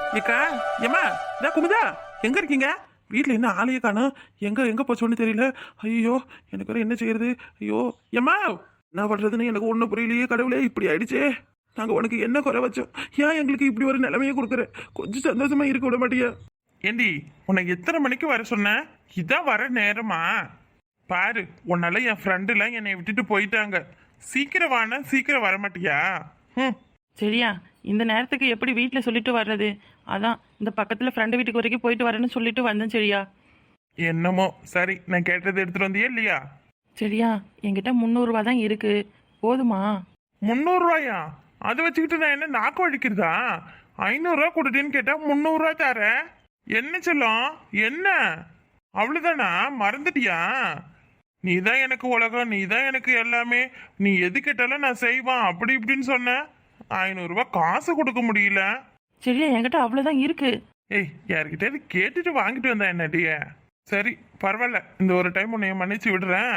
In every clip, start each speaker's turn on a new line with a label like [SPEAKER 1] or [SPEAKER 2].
[SPEAKER 1] ஏக்கா ஏமா இதா குமுதா எங்க இருக்கீங்க? வீட்டில் என்ன ஆளையே காணோம். எங்க போச்சோன்னு தெரியல. ஐயோ எனக்கு வேற என்ன செய்யறது? ஐயோ ஏமா என்ன பண்றதுன்னு எனக்கு ஒன்றும் புரியலையே. கடவுளே இப்படி ஆயிடுச்சே. நாங்கள் உனக்கு என்ன குறை வச்சோம்? ஏன் எங்களுக்கு இப்படி ஒரு நிலைமையை கொடுக்குற? கொஞ்சம் சந்தோஷமா இருக்க விட மாட்டியா? ஏண்டி உனக்கு எத்தனை மணிக்கு வர சொன்னேன்? இதான் வர நேரமா? பாரு உன்னால என் ஃப்ரெண்டுலாம் என்னை விட்டுட்டு போயிட்டாங்க. சீக்கிரம் வானா சீக்கிரம் வர மாட்டியா? ம்.
[SPEAKER 2] சரியா, இந்த நேரத்துக்கு எப்படி வீட்டில் சொல்லிட்டு வர்றது? அதான் இந்த பக்கத்தில் ஃப்ரெண்டு வீட்டுக்கு வரைக்கும் போயிட்டு வரேன்னு சொல்லிட்டு வந்தேன். சரியா?
[SPEAKER 1] என்னமோ சரி, நான் கேட்டது எடுத்துட்டு வந்தியா இல்லையா?
[SPEAKER 2] சரியா, என்கிட்ட 300 தான் இருக்கு, போதுமா?
[SPEAKER 1] 300 ரூபாயா? அதை வச்சுக்கிட்டு நான் என்ன நாக்கு வலிக்கிறதா? 500 ரூபா கொடுத்தேன்னு கேட்டா 300 ரூபா தர. என்ன சொல்லும்? என்ன அவ்வளவுதானா? மறந்துட்டியா? நீ தான் எனக்கு உலகம், நீ தான் எனக்கு எல்லாமே, நீ எது கேட்டாலும் நான் செய்வான் அப்படி இப்படின்னு சொன்ன. 500 ரூபாய் காசு கொடுக்க முடியல.
[SPEAKER 2] சரியா, என்கிட்ட அவ்வளோதான் இருக்கு.
[SPEAKER 1] ஏய் யார்கிட்ட கேட்டுட்டு வாங்கிட்டு வந்தா என்னடிய? சரி பரவாயில்ல, இந்த ஒரு டைம் உன்னை மன்னிச்சு விடுறேன்.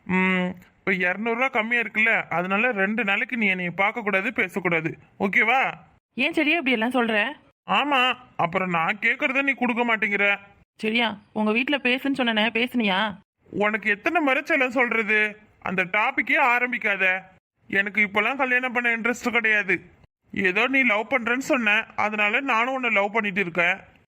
[SPEAKER 1] இப்போ 200 ரூபா கம்மியா இருக்குல்ல, அதனால 2 நாளைக்கு நீ என்னைய பார்க்க கூடாது, பேசக்கூடாது. ஓகேவா?
[SPEAKER 2] ஏன் சரியா இப்படி எல்லாம் சொல்ற?
[SPEAKER 1] ஆமா, அப்புறம் நான் கேட்கறத நீ கொடுக்க மாட்டேங்கிற.
[SPEAKER 2] சரியா, உங்க வீட்டில் பேசுன்னு சொன்னனே, பேசுனியா?
[SPEAKER 1] உனக்கு எத்தனை மறைச்செல்லாம் சொல்றது? அந்த டாபிக்கே ஆரம்பிக்காத. எனக்கு இப்பெல்லாம் கல்யாணம் பண்ண இன்ட்ரெஸ்ட் கிடையாது. ஏதோ நீ லவ் பண்றேன்னு சொன்ன, அதனால நானும் உன்னை லவ் பண்ணிட்டு இருக்கேன்.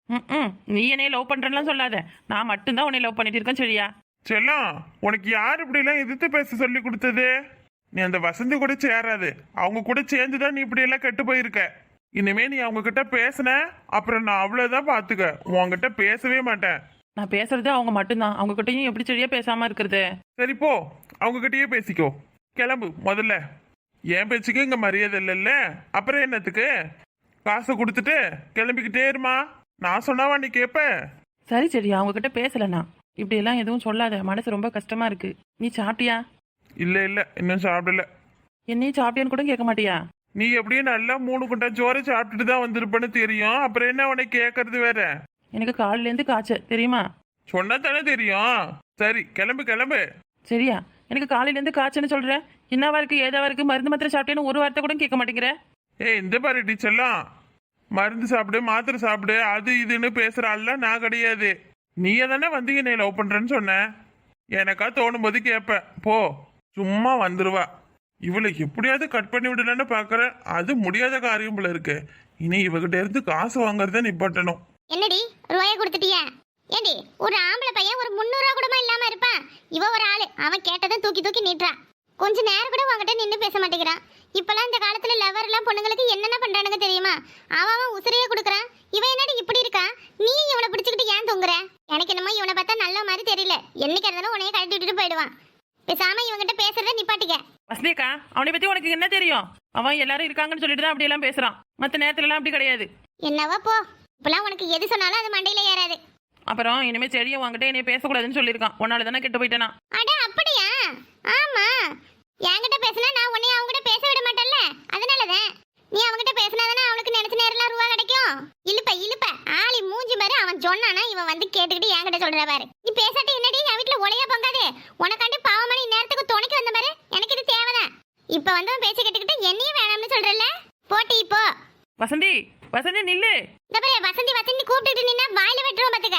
[SPEAKER 2] நீ என்னைய லவ் பண்றேன்லாம் சொல்லாத, நான் மட்டும்தான் உன்னை லவ் பண்ணிட்டு இருக்கேன். சரியா?
[SPEAKER 1] செல்லம், உனக்கு யார் இப்படி எல்லாம் எதிர்த்து பேச சொல்லி கொடுத்தது? நீ அந்த வசந்தி கூட சேராது. அவங்க கூட சேர்ந்துதான் நீ இப்படி எல்லாம் கெட்டு போயிருக்க. இனிமே நீ அவங்க கிட்ட பேசின அப்புறம் நான் அவ்வளவுதான் பாத்துக்க, உன்கிட்ட பேசவே மாட்டேன்.
[SPEAKER 2] நான் பேசுறது அவங்க மட்டும்தான், அவங்க கிட்டயும் எப்படி சரியா பேசாம இருக்கிறது?
[SPEAKER 1] சரி போ, அவங்க கிட்டயே பேசிக்கோ. கிளம்பு முதல்ல. என் பேச்சுக்கு இங்க மரியாதை இல்லைல்ல, அப்புறம் என்னத்துக்கு? காசை கொடுத்துட்டு கிளம்பிக்கிட்டே இருமா. நான் சொன்னாவா நீ கேப்ப?
[SPEAKER 2] சரி சரியா, அவங்க கிட்ட பேசலண்ணா. இப்படி எல்லாம் எதுவும் சொல்லாத, மனசு ரொம்ப கஷ்டமா இருக்கு. நீ சாப்பிட்டியா?
[SPEAKER 1] இல்ல இல்ல, இன்னும் சாப்பிடல.
[SPEAKER 2] என்னையும் சாப்பிட்டியான்னு கூட கேட்க மாட்டியா?
[SPEAKER 1] நீ எப்படியும் நல்லா 3 குண்டா சோறு சாப்பிட்டுட்டு தான் வந்திருப்பேன்னு தெரியும், அப்புறம் என்ன உனக்கு கேட்கறது வேற?
[SPEAKER 2] எனக்கு காலையில இருந்து காய்ச்சல், தெரியுமா?
[SPEAKER 1] சொன்னா தானே தெரியும். சரி கிளம்பு கிளம்பு.
[SPEAKER 2] சரியா, எனக்கு காலையில இருந்து காய்ச்சல்னு சொல்றேன். என்னவா இருக்கு ஏதாவா இருக்கு, மருந்து மாத்திரை சாப்பிட்டேன்னு ஒரு வார்த்தை கூட கேட்க மாட்டேங்கிற.
[SPEAKER 1] ஏய் இந்த பாரு டீச்சர்லாம், மருந்து சாப்பிடு மாத்திரை சாப்பிடு அது இதுன்னு பேசுறாள்ல, நான் கிடையாது. நீயே தானே வந்து என்னை லவ் பண்றேன்னு சொன்ன. எனக்கா தோணும் போது கேட்பேன். போ, சும்மா வந்துருவா. இவளை எப்படியாவது கட் பண்ணி விடலான்னு பாக்குறேன், அது முடியாத காரியம் போல இருக்கு. இனி இவகிட்ட இருந்து காசு வாங்குறத நிப்பாட்டணும்.
[SPEAKER 3] என்னடி ரூபாய கொடுத்துட்டியா? ஏண்டி ஒரு ஆம்பளை பையன் ஒரு 300 ரூபா கூட இல்லாம இருப்பான். இவ ஒரு ஆளு, அவன் கேட்டதை தூக்கி தூக்கி நீட்டுறான். கொஞ்ச நேரம் கூட உங்ககிட்ட நின்று பேச மாட்டேங்கிறான். இப்பெல்லாம் இந்த காலத்துல லவர் எல்லாம் பொண்ணுங்களுக்கு என்னென்ன பண்றானுங்க தெரியுமா? அவன் உசிரியே கொடுக்குறான். இவன் என்னடி இப்படி இருக்கான்? நீ இவனை பிடிச்சிக்கிட்டு ஏன் தொங்குற? எனக்கு என்னமோ இவனை பார்த்தா நல்ல மாதிரி தெரியல. என்னைக்கு இருந்தாலும் உன்னைய கழட்டி விட்டுட்டு போயிடுவான். பேசாம இவங்கிட்ட பேசுறத நிப்பாட்டிக்க.
[SPEAKER 2] வசந்திக்கா, அவனை பத்தி உனக்கு என்ன தெரியும்? அவன் எல்லாரும் இருக்காங்கன்னு சொல்லிட்டு தான் அப்படி எல்லாம் பேசுறான். மற்ற நேரத்துல எல்லாம் அப்படி கிடையாது.
[SPEAKER 3] என்னவா போ, இப்பெல்லாம் உனக்கு எது சொன்னாலும் அது மண்டையில ஏறாது.
[SPEAKER 2] அப்புறம் இனிமே சரியா வாங்கிட்ட என்னைய பேசக்கூடாதுன்னு சொல்லியிருக்கான். உன்னால தானே கெட்டு போயிட்டேனா?
[SPEAKER 3] அட அப்படியா? ஆமா, என்கிட்ட பேசினா நான் உன்னை அவங்ககிட்ட பேச விட மாட்டேன்ல, அதனாலதான். நீ அவங்ககிட்ட பேசினாதானே அவனுக்கு நினைச்ச நேரம்லாம் ரூபா கிடைக்கும். இழுப்ப இழுப்ப ஆளி மூஞ்சி பாரு. அவன் சொன்னானா இவன் வந்து கேட்டுக்கிட்டு என்கிட்ட சொல்ற பாரு. நீ பேசாட்டி என்னடி என் வீட்டுல ஒலையா பொங்காது. உனக்காண்டி பாவமணி நேரத்துக்கு துணைக்கு வந்த பாரு. எனக்கு இது தேவைதான். இப்ப வந்து அவன் பேச்சு கேட்டுக்கிட்டு என்னையும் வேணாம்னு சொல்றல. போட்டி இப்போ.
[SPEAKER 2] வசந்தி, வசந்தி நில்லு.
[SPEAKER 3] இந்த பாரு, வசந்தி வசந்தி கூப்பிட்டுட்டு நின்னா வாயில வெட்டுறோம் பாத்துக்க.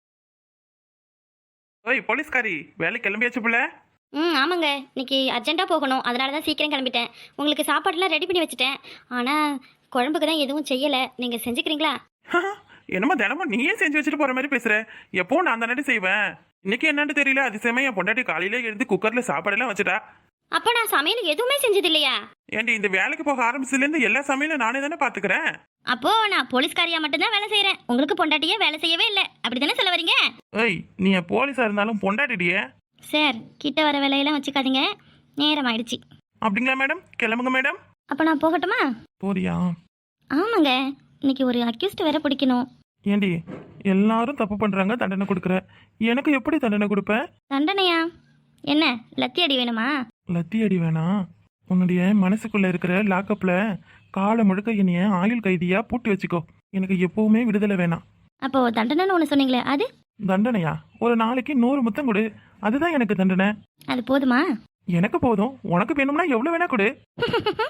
[SPEAKER 1] ஓய் போலீஸ்காரி, வேலை கிளம்பியாச்சு பிள்ளை?
[SPEAKER 4] ஆமாங்க, இன்னைக்கு அர்ஜென்ட்டாக போகணும், அதனால தான் சீக்கிரம் கிளம்பிட்டேன். உங்களுக்கு சாப்பாடுலாம் ரெடி பண்ணி வச்சுட்டேன். ஆனால் குழம்புக்கு தான் எதுவும் செய்யலை. நீங்கள் செஞ்சுக்கிறீங்களா?
[SPEAKER 1] என்னமா தினமும் நீயே செஞ்சு வச்சுட்டு போற மாதிரி பேசுற? எப்பவும் நான் தானே செய்வேன். இன்னைக்கு என்னன்னு தெரியல, அதிசயமா என் பொண்டாட்டி காலையில எழுந்து குக்கர்ல சாப்பாடெல்லாம் வச்சுட்டா.
[SPEAKER 4] அப்போ நான் சமையல் எதுவுமே செஞ்சது இல்லையா?
[SPEAKER 1] ஏன்டி இந்த வேலைக்கு போக ஆரம்பிச்சதுல இருந்து எல்லா சமையலும் நானே தானே பாத்துக்கிறேன்.
[SPEAKER 4] அப்போ நான் போலீஸ்காரியா மட்டும்தான் வேலை செய்கிறேன், உங்களுக்கு பொண்டாட்டியே வேலை செய்யவே இல்லை, அப்படி தானே சொல்ல வரீங்க?
[SPEAKER 1] ஏய் நீ போலீஸா இருந்தாலும் பொண்டாட்டிடியே.
[SPEAKER 4] சார், கிட்ட வர வேலையெல்லாம் வச்சுக்காதீங்க, நேரம் ஆயிடுச்சு.
[SPEAKER 1] அப்படிங்களா மேடம்? கிளம்புங்க மேடம்.
[SPEAKER 4] அப்போ நான் போகட்டுமா?
[SPEAKER 1] போறியா?
[SPEAKER 4] ஆமாங்க, இன்னைக்கு ஒரு அக்யூஸ்ட் வேற பிடிக்கணும்.
[SPEAKER 1] ஏண்டி எல்லாரும் தப்பு பண்றாங்க, தண்டனை கொடுக்குற. எனக்கு எப்படி தண்டனை கொடுப்ப?
[SPEAKER 4] தண்டனையா? என்ன லத்தி அடி வேணுமா?
[SPEAKER 1] லத்தி அடி வேணாம். உன்னுடைய மனசுக்குள்ள இருக்கிற லாக்கப்ல காலை முழுக்க என்னைய ஆயுள் கைதியா பூட்டி வச்சுக்கோ. எனக்கு எப்பவுமே விடுதலை வேணாம்.
[SPEAKER 4] அப்போ தண்டனைன்னு ஒன்று சொன்னீங்களே, அது?
[SPEAKER 1] தண்டனையா? ஒரு நாளைக்கு 100 முத்தம் கொடு, அதுதான் எனக்கு தண்டனை.
[SPEAKER 4] அது போதுமா?
[SPEAKER 1] எனக்கு போதும். உனக்கு வேணும்னா எவ்வளவு வேணா கொடு.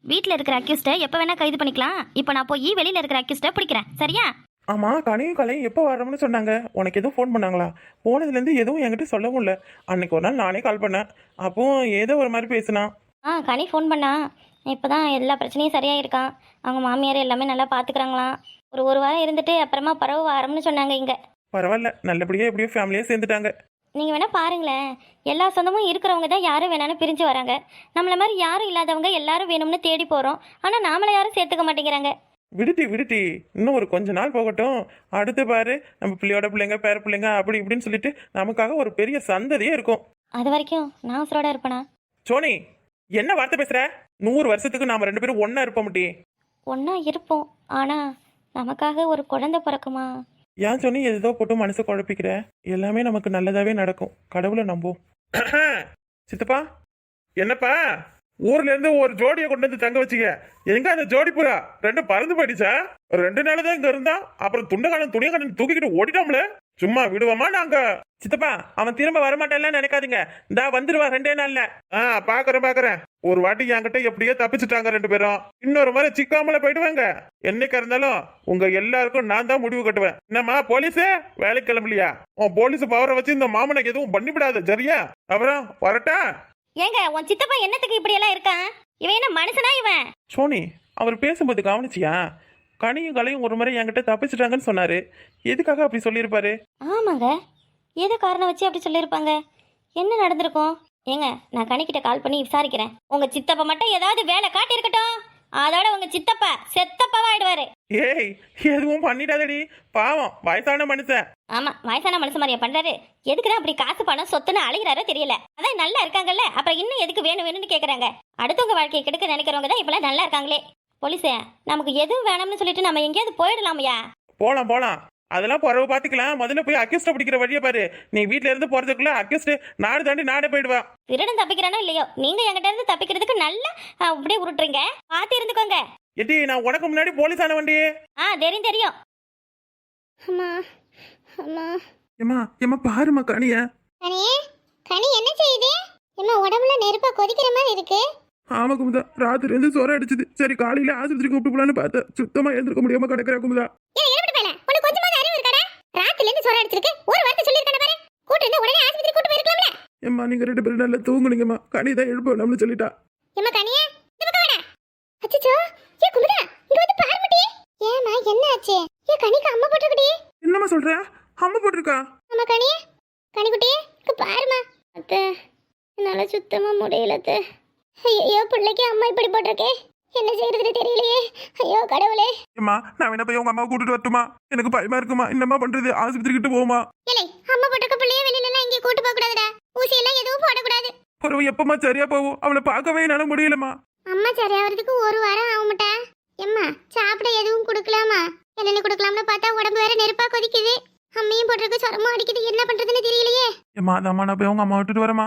[SPEAKER 4] வீட்டில் இருக்கிற அக்யூஸ்டை எப்போ வேணா கைது பண்ணிக்கலாம். இப்போ நான் போய் வெளியில் இருக்கிற அக்யூஸ்டை பிடிக்கிறேன், சரியா?
[SPEAKER 1] ஆமா, கனியும் கலையும் எப்போ வரணும்னு சொன்னாங்க? உனக்கு எதுவும் ஃபோன் பண்ணாங்களா? போனதுலேருந்து எதுவும் என்கிட்ட சொல்லவும் இல்லை. அன்னைக்கு ஒரு நாள் நானே கால் பண்ணேன், அப்போ ஏதோ ஒரு மாதிரி பேசினா.
[SPEAKER 4] கனி ஃபோன் பண்ணா. இப்போ தான் எல்லா பிரச்சனையும் சரியாக இருக்கான். அவங்க மாமியார் எல்லாமே நல்லா பார்த்துக்கிறாங்களாம். ஒரு வாரம் இருந்துட்டு அப்புறமா பரவ வாரம்னு சொன்னாங்க இங்கே.
[SPEAKER 1] பரவாயில்ல, நல்லபடியா எப்படியோ ஃபேமிலியாக சேர்ந்துட்டாங்க.
[SPEAKER 4] நீங்கள் வேணால் பாருங்களேன், எல்லா சொந்தமும் இருக்கிறவங்க தான் யாரும் வேணாலும் பிரிஞ்சு வராங்க. நம்மள மாதிரி யாரும் இல்லாதவங்க எல்லாரும் வேணும்னு தேடி போகிறோம். ஆனால் நாமளை யாரும் சேர்த்துக்க மாட்டேங்கிறாங்க.
[SPEAKER 1] விடுட்டி இன்னும் ஒரு கொஞ்ச நாள் போகட்டும். அடுத்து பாரு, நம்ம பிள்ளையோட பிள்ளைங்க பேர பிள்ளைங்க அப்படி இப்படின்னு சொல்லிட்டு நமக்காக ஒரு பெரிய சந்ததியே இருக்கும்.
[SPEAKER 4] அது வரைக்கும் நான் உசுரோட இருப்பேனா?
[SPEAKER 1] சோனி, என்ன வார்த்தை பேசுற? 100 வருஷத்துக்கு நாம 2 பேரும் ஒன்னா இருப்போம் முட்டி.
[SPEAKER 4] ஒன்றா இருப்போம், ஆனால் நமக்காக ஒரு குழந்தை பிறக்குமா?
[SPEAKER 1] ஏன் சோனி ஏதோ போட்டு மனசு குழப்பிக்கிற? எல்லாமே நமக்கு நல்லதாவே நடக்கும், கடவுளை நம்பும். சித்தப்பா, என்னப்பா ஊர்ல இருந்து ஒரு ஜோடியை கொண்டு வந்து தங்க வச்சுக்க. எங்க அந்த ஜோடி புறா 2 பறந்து போயிடுச்சா? 2 நாள் தான் இங்க இருந்தா, அப்புறம் துணியக்காரன் தூக்கிக்கிட்டு ஓடிட்டோம்ல. சும்மா விடுவோமா நாங்க? சித்தப்பா, அவன் திரும்ப வரமாட்டான்லாம் நினைக்காதீங்க. இந்தா வந்துருவா 2 நாள்ல. பாக்குறேன். ஒரு வாட்டி என்கிட்ட எப்படியோ தப்பிச்சுட்டாங்க 2 பேரும். இன்னொரு மாதிரி சிக்காமல போயிடுவாங்க. என்னைக்கா இருந்தாலும் உங்க எல்லாருக்கும் நான் தான் முடிவு கட்டுவேன். என்னம்மா போலீஸே, வேலைக்கு கிளம்பலையா? உன் போலீஸ் பவரை வச்சு இந்த மாமனுக்கு எதுவும் பண்ணிவிடாத, சரியா? அப்புறம் வரட்டா?
[SPEAKER 4] ஏங்க, உன் சித்தப்பா என்னத்துக்கு இப்படியெல்லாம் இருக்கான்? இவன் என்ன மனுஷனா இவன்?
[SPEAKER 1] சோனி, அவர் பேசும்போது கவனிச்சியா? கனியும் கலையும் ஒரு முறை என்கிட்ட தப்பிச்சிட்டாங்கன்னு சொன்னாரு. எதுக்காக அப்படி சொல்லியிருப்பாரு?
[SPEAKER 4] ஆமாங்க, ஏதோ காரணம் வச்சு அப்படி சொல்லியிருப்பாங்க. என்ன நடந்திருக்கும்? ஏங்க, நான் கனிக்கிட்ட கால் பண்ணி விசாரிக்கிறேன். உங்க சித்தப்பா மட்டும் ஏதாவது வேலை காட்டி இருக்கட்டும், அதோட உங்க சித்தப்பா செத்தப்பாவா ஆயிடுவாரு.
[SPEAKER 1] ஏய், எதுவும் பண்ணிடாதடி, பாவம் வயசான மனுஷன்.
[SPEAKER 4] ஆமா, வயசான மனுஷன் மாதிரியா பண்றாரு? எதுக்குதான் அப்படி காசு பணம் சொத்துன்னு அழுகிறாரோ தெரியல. அதான் நல்லா இருக்காங்கல்ல, அப்புறம் இன்னும் எதுக்கு வேணும்னு கேக்குறாங்க. அடுத்தவங்க வாழ்க்கையை கெடுக்க நினைக்கிறவங்க தான் இப்பெல்லாம் நல்லா இருக்காங்களே. போலீஸே, நமக்கு எதுவும் வேணும்னு சொல்லிட்டு நம்ம எங்கேயாவது போயிடலாமையா?
[SPEAKER 1] போலாம், அதெல்லாம் பிறகு பாத்துக்கலாம். முதல்ல போய் அக்யூஸ்ட பிடிக்கிற வழியை பாரு. நீ வீட்ல இருந்து போறதுக்குள்ள அக்யூஸ்ட் நாடு தாண்டி நாடே போயிடுவா.
[SPEAKER 4] திருடன் தப்பிக்கிறானோ இல்லையோ, நீங்க என்கிட்ட இருந்து தப்பிக்கிறதுக்கு நல்லா அப்படியே உருட்டுறீங்க. பார்த்து இருந்துக்கோங்க.
[SPEAKER 1] எட்டி, நான் உனக்கு முன்னாடி போலீஸ் ஆன வண்டி.
[SPEAKER 4] தெரியும்.
[SPEAKER 1] ஏமா பாருமா கனிய.
[SPEAKER 3] கனி என்ன செய்யுது? உடம்புல நெருப்பா கொதிக்கிற மாதிரி இருக்கு.
[SPEAKER 1] ஆமா குமுதா, ராத்திரி இருந்து சொர அடிச்சது. சரி, காலையில ஆஸ்பத்திரி கூப்பிட்டு போலான்னு பார்த்தேன். சுத்தமா எழுந்திருக்க முடியாம கிடக்குற குமுதா. ஏம்மா, நீங்க 2 பேரும் நல்லா தூங்குனீங்கம்மா. கனி தான் எழுப்ப நம்மளு சொல்லிட்டா. என்னம்மா சொல்ற? அம்மா போட்டிருக்கா?
[SPEAKER 3] என்னால சுத்தமா முடியல. ஐயோ, பிள்ளைக்கு அம்மா இப்படி போட்டிருக்கே, என்ன செய்யறதுன்னு தெரியலையே. ஐயோ கடவுளே.
[SPEAKER 1] ஏம்மா, நான் என்ன போய் உங்க அம்மாவை கூட்டிட்டு வரட்டுமா? எனக்கு பயமா இருக்குமா. என்னம்மா பண்றது? ஆஸ்பத்திரி கிட்ட போமா?
[SPEAKER 3] ஏலே, அம்மா போட்டிருக்க பிள்ளைய வெளியில எல்லாம் இங்கே கூட்டு போக கூடாதுடா. ஊசி எல்லாம் எதுவும் போடக்கூடாது.
[SPEAKER 1] ஒரு எப்பமா சரியா போகும்? அவளை பார்க்கவே என்னால முடியலம்மா.
[SPEAKER 3] அம்மா சரியாகிறதுக்கு 1 வாரம் ஆகும்டா. எம்மா, சாப்பிட எதுவும் கொடுக்கலாமா? இளநீ கொடுக்கலாம்னு பார்த்தா உடம்பு வேற நெருப்பா கொதிக்குது. அம்மையும் போட்டிருக்கு, சொரமும் அடிக்குது. என்ன பண்றதுன்னு தெரியலையே.
[SPEAKER 1] ஏம்மா, அதாம்மா, நான் போய் உங்க அம்மா விட்டுட்டு வரமா?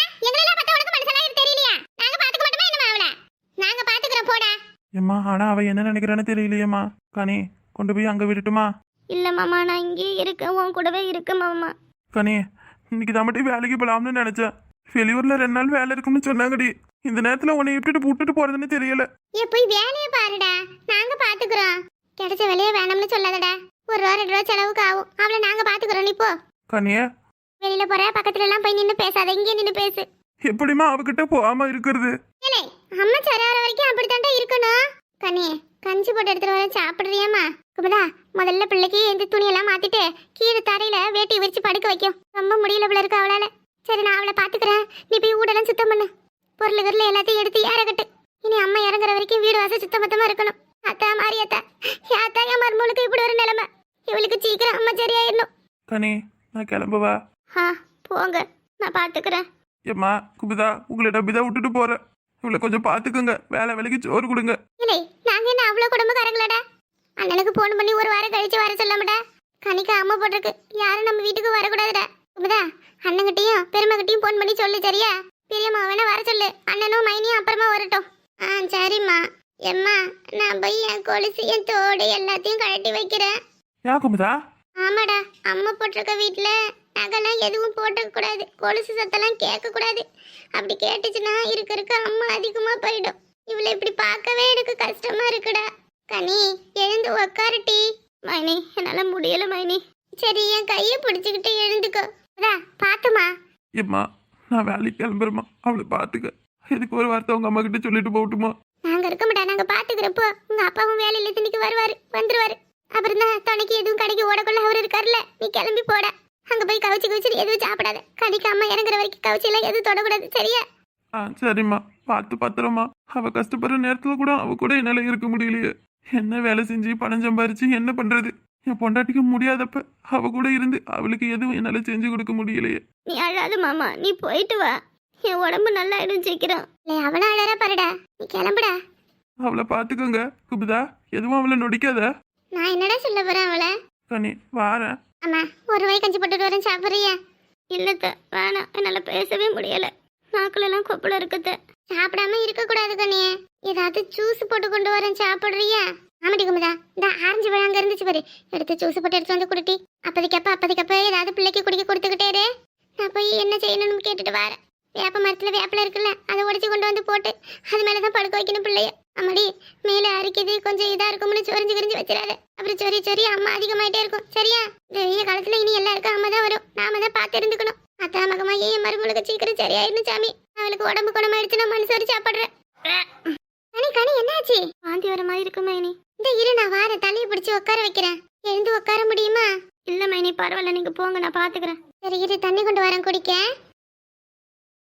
[SPEAKER 1] ஏம்மா, ஆனா அவ என்ன நினைக்கிறான்னு தெரியலையேம்மா. கனி, கொண்டு போய் அங்க விட்டுட்டுமா?
[SPEAKER 3] இல்ல மாமா, நான் இங்கே இருக்கேன், உன் கூடவே இருக்கேன் மாமா.
[SPEAKER 1] கனி, இன்னைக்கு தான் மட்டும் வேலைக்கு போலாம்னு நினைச்சேன். வெளியூர்ல 2 நாள் வேலை இருக்கும்னு சொன்னாங்கடி. இந்த நேரத்துல உன்னை விட்டுட்டு போறதுன்னு தெரியல.
[SPEAKER 3] போய் வேலையை பாருடா, நாங்க பாத்துக்கிறோம். கிடைச்ச வேலையை வேணும்னு சொல்லாதடா. 1 ரூபா 2 ரூபா செலவுக்கு ஆகும், அவளை நாங்க பாத்துக்கிறோம். நீ போ.
[SPEAKER 1] கனிய,
[SPEAKER 3] வெளியில போற, பக்கத்துல எல்லாம் போய் நின்னு பேசாத, இங்கே நின்னு பேசு.
[SPEAKER 1] எப்படிமா அவகிட்ட போகாம இருக்கிறது?
[SPEAKER 3] அம்மா சரியாகிற வரைக்கும் அப்படித்தாண்டா இருக்கணும். கனி, கஞ்சி போட்டு எடுத்துட்டு வர, சாப்பிடுறியாமா? குமுதா, முதல்ல பிள்ளைக்கு இந்த துணியெல்லாம் மாத்திட்டு கீழே தரையில வேட்டி விரிச்சு படுக்க வைக்கும். ரொம்ப முடியல போல இருக்கு அவளால. சரி, நான் அவளை பாத்துக்கிறேன். நீ போய் வீடெல்லாம் சுத்தம் பண்ணு. பொருள் எல்லாத்தையும் எடுத்து ஏறக்கட்டு. இனி அம்மா இறங்குற வரைக்கும் வீடு வாசல் சுத்தமத்தமா இருக்கணும். அத்தா மாறியத்தா, யாத்தா என் மருமகளுக்கு இப்படி ஒரு நிலைமை. இவளுக்கு சீக்கிரம் அம்மா சரியாயிடணும்.
[SPEAKER 1] கனி, நான் கிளம்புவா?
[SPEAKER 3] போங்க, நான் பாத்துக்கிறேன்.
[SPEAKER 1] ஏம்மா, குமுதா, உங்களை நம்பிதான் விட்டுட்டு போறேன். இவளை கொஞ்சம் பாத்துக்கோங்க. வேலைக்கு சோறு கொடுங்க.
[SPEAKER 3] இல்லை, நாங்க என்ன அவ்வளவு குடும்பக்காரங்களடா? அண்ணனுக்கு போன் பண்ணி 1 வாரம் கழிச்சு வர சொல்லாமடா. கனிக்கு அம்மா போட்டிருக்கு, யாரும் நம்ம வீட்டுக்கு வரக்கூடாதுடா. குமுதா, அண்ணங்கிட்டையும் பெருமைகிட்டையும் போன் பண்ணி சொல்லு, சரியா? பெரியம்மா வேணா வர சொல்லு. அண்ணனும் மைனியும் அப்புறமா வரட்டும். சரிம்மா. எம்மா, நான் போய் என் கொலுசு, என் தோடு எல்லாத்தையும் கழட்டி வைக்கிறேன்.
[SPEAKER 1] யா குமுதா?
[SPEAKER 3] ஆமாடா, அம்மா போட்டிருக்க வீட்டுல நகைலாம் எதுவும் போட்டுக்க கூடாது. கொலுசு சத்தெல்லாம் கேட்க கூடாது. அப்படி கேட்டுச்சுன்னா இருக்க அம்மா அதிகமா போயிடும். இவளை இப்படி பார்க்கவே எனக்கு கஷ்டமா இருக்குடா. கனி எழுந்து உக்காருட்டி. மைனி என்னால முடியல மைனி. சரி என் கையை பிடிச்சுக்கிட்டு எழுந்துக்கோ. அதா பாத்துமா.
[SPEAKER 1] ஏம்மா நான் வேலைக்கு கிளம்புறேம்மா, அவளை பார்த்துக்க. இதுக்கு ஒரு வார்த்தை உங்க அம்மா கிட்ட சொல்லிட்டு போகட்டுமா?
[SPEAKER 3] நாங்க இருக்க மாட்டா, நாங்க பாத்துக்கிறப்போ உங்க அப்பாவும் வேலையில திணிக்கு வந்துருவாரு. அப்புறம் தான் துணைக்கு எதுவும் கடைக்கு ஓடக்குள்ள அவர் இருக்காருல்ல, நீ கிளம்பி போட. அங்க போய் கவிச்சு கவிச்சு எதுவும் சாப்பிடாத. கனிக்கு அம்மா இறங்குற வரைக்கும் கவிச்செல்லாம் எதுவும் தொடக்கூடாது, சரியா?
[SPEAKER 1] சரிம்மா, பார்த்து பத்திரமா. அவ கஷ்டப்படுற நேரத்துல கூட அவ கூட என்னால இருக்க முடியலையே. என்ன வேலை செஞ்சு பணம் சம்பாரிச்சு என்ன பண்றது? என் பொண்டாட்டிக்கு முடியாதப்ப அவ கூட இருந்து அவளுக்கு எதுவும் என்னால செஞ்சு கொடுக்க முடியலையே.
[SPEAKER 3] நீ அழாத மாமா, நீ போயிட்டு வா. என் உடம்பு நல்லா ஆயிடும் சீக்கிரம். அவனா அழற பாருடா, நீ கிளம்புடா.
[SPEAKER 1] அவளை பார்த்துக்கோங்க குபுதா, எதுவும் அவளை நொடிக்காத.
[SPEAKER 3] நான் என்னடா சொல்ல போறேன் அவளை?
[SPEAKER 1] கனி வாரேன்.
[SPEAKER 3] அம்மா ஒரு வாய் கஞ்சி போட்டுட்டு வரேன், சாப்பிட்றியா? இல்லத்த வேணாம், என்னால பேசவே முடியல. நாக்குலெல்லாம் கொப்பளம் இருக்குது. சாப்பிடாம இருக்க கூடாது கண்ணியே. ஏதாவது ஜூஸ் போட்டு கொண்டு வரேன், சாப்பிடுறியா? ஆமாடி குமுதா, இந்த ஆரஞ்சு பழம் அங்க இருந்துச்சு பாரு, எடுத்து ஜூஸ் போட்டு எடுத்து வந்து குடுட்டி. அப்போதைக்கப்ப ஏதாவது பிள்ளைக்கு குடிக்க கொடுத்துக்கிட்டே இரு. நான் போய் என்ன செய்யணும்னு கேட்டுட்டு வரேன். வேப்ப மரத்துல வேப்பில இருக்குல்ல, அதை உடைச்சு கொண்டு வந்து போட்டு அது மேலதான் படுக்க வைக்கணும் பிள்ளைய. அம்மாடி மேல அரிக்குது, கொஞ்சம் இதா இருக்கும்னு சொரிஞ்சு கிரிஞ்சு வச்சிடாத. அப்புறம் சொரி அம்மா அதிகமாயிட்டே இருக்கும், சரியா? இந்த வெய்ய காலத்துல இனி எல்லாருக்கும் அம்மா தான் வரும், நாம தான் பார்த்து இருந்துக்கணும். அத்தா மகமா ஏன் மருமகளுக்கு சீக்கிரம் சரியாயிடும் சாமி. அவளுக்கு உடம்பு குணமாயிடுச்சுன்னா மனசோரி சாப்பிடுறேன். கனி என்னாச்சு? வாந்தி வர மாதிரி இருக்கு மைனி. இந்த இரு, நான் வார தலையை பிடிச்சி உட்கார வைக்கிறேன். எழுந்து உட்கார முடியுமா? இல்ல மைனி பரவாயில்ல, நீங்க போங்க, நான் பாத்துக்கிறேன். சரி இரு, தண்ணி கொண்டு வரேன் குடிக்க.